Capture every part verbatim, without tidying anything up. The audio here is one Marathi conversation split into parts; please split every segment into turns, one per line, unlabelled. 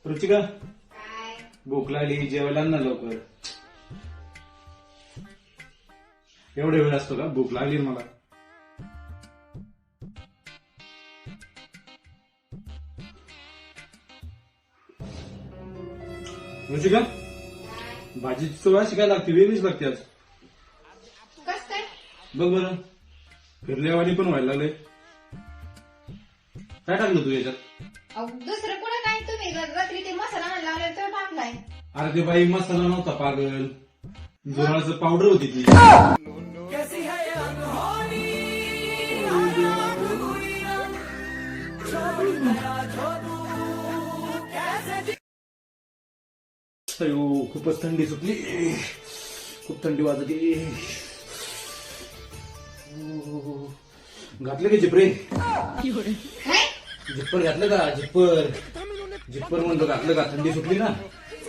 रुचिका
काय
भूक लागली जेवायला आण ना लवकर. एवढा वेळ असतो का? भूक लागली ना मला. रुचिका भाजीची चव अशी काय लागते? वेगळीच लागते आज.
कस काय?
बघ बरं फिरल्यावानी पण व्हायला लागले. काय टाकलं तू याच्यात?
अहो, दुसरं कुठं काय तुम्ही रात्री ते मसाला म्हणून लावला तो टाकलाय.
अरे ते बाई मसाला नव्हता पागल, जोराचं पावडर होती ती. अयो खूपच थंडी सुटली, खूप थंडी वाजते. घातलं का जिपरे?
काय?
जिप्पर घातलं का? जिप्पर जिप्पर म्हणतो घातलं का? थंडी सुटली ना.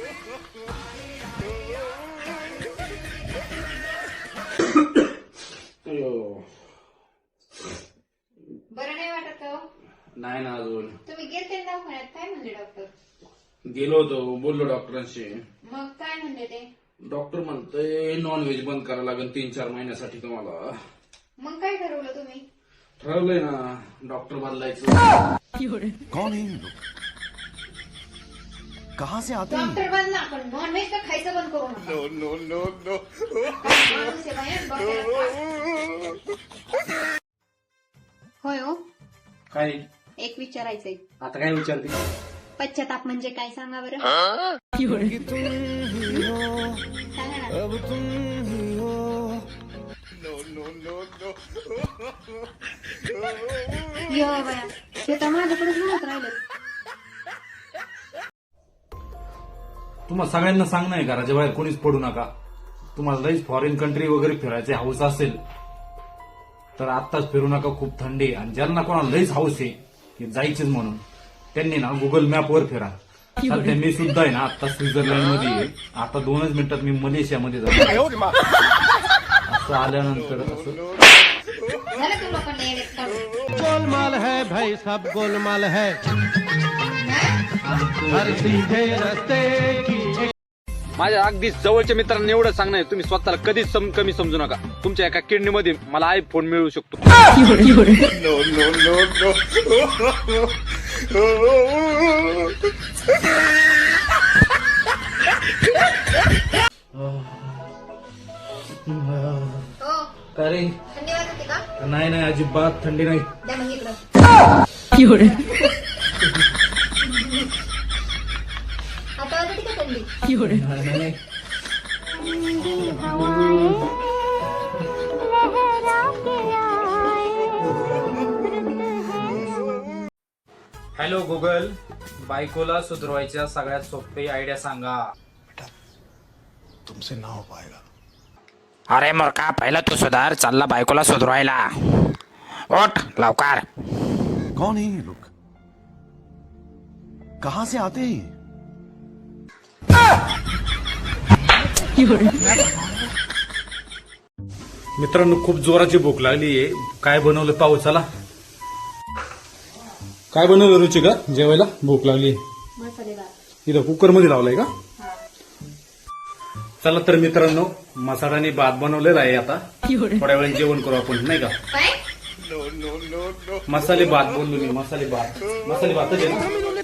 अयो
बरं नाही वाटत हो?
नाही ना अजून.
तुम्ही गेलते ना दवाखान्यात, काय म्हणले डॉक्टर?
गेलो होतो, बोललो डॉक्टरांशी.
मग काय म्हणले ते?
डॉक्टर म्हणतोय नॉन व्हेज बंद करावं लागेल तीन चार महिन्यासाठी तुम्हाला.
मग काय ठरवलं तुम्ही?
ठरवलंय ना डॉक्टर बदलायचं.
कौन है ये लोग? कहाँ से आते हैं?
डॉक्टर बनला पण नॉनव्हेज तर खायचं बंद करू नका. नो नो नो नो होय हो,
काय
एक विचारायचंय.
आता काय विचारते?
पश्चाताप म्हणजे काय सांगा बरं? सांगा ना. यो बाया, ते तर माझ्याकडेच म्हणत राहिले.
तुम्हाला सगळ्यांना सांगणं आहे घराच्या बाहेर कोणीच पडू नका. तुम्हाला लईच फॉरेन कंट्री वगैरे फिरायचे हाऊस असेल तर आत्ताच फिरू नका, खूप थंडी आहे. आणि ज्यांना कोणाला लईच हाऊस आहे की जायचीच म्हणून त्यांनी ना गुगल मॅपवर फिरा. सध्या मी सुद्धा आहे ना आता स्वित्झर्लंड मध्ये आहे. आता दोनच मिनिटात मी मलेशियामध्ये जातो. असं आल्यानंतर असं
झालं तू लोकांना येण्यात काढून.
गोलमाल है भाई, सब गोलमाल है. हर सीधे रस्ते की
माझ्या अगदी जवळच्या मित्रांना एवढं सांगणं आहे, तुम्ही स्वतःला कधीच सम, कमी समजू नका. तुमच्या एका किडनीमध्ये मला आयफोन मिळू शकतो.
हो,
काय रे?
थंडी वाजते का?
नाही नाही अजिबात थंडी नाही.
द्या मग इकडं. आता वाजते का थंडी?
नाही, नाही. हॅलो गुगल, बायकोला सुधरवायच्या सगळ्यात सोपी आयडिया सांगा.
तुमसे ना हो पाएगा.
अरे मूर्खा, पहिला तू सुधार, चालला बायकोला सुधरवायला. ओठ लवकर.
कौन है ये लोग? कहाँ से आते हैं?
मित्रांनो खूप जोराची भूक लागली आहे. काय बनवलं पाहू चला. काय बनवलं रुचिका जेवायला? भूक लागली
मसाले भात.
इथं कुकर मध्ये लावलाय का? चला तर मित्रांनो मसाल्याने भात बनवलेला आहे. आता थोड्या वेळ जेवण करू आपण, नाही का?
काय?
मसाले भात बोललो मी, मसाले भात. मसाले भातच आहे ना?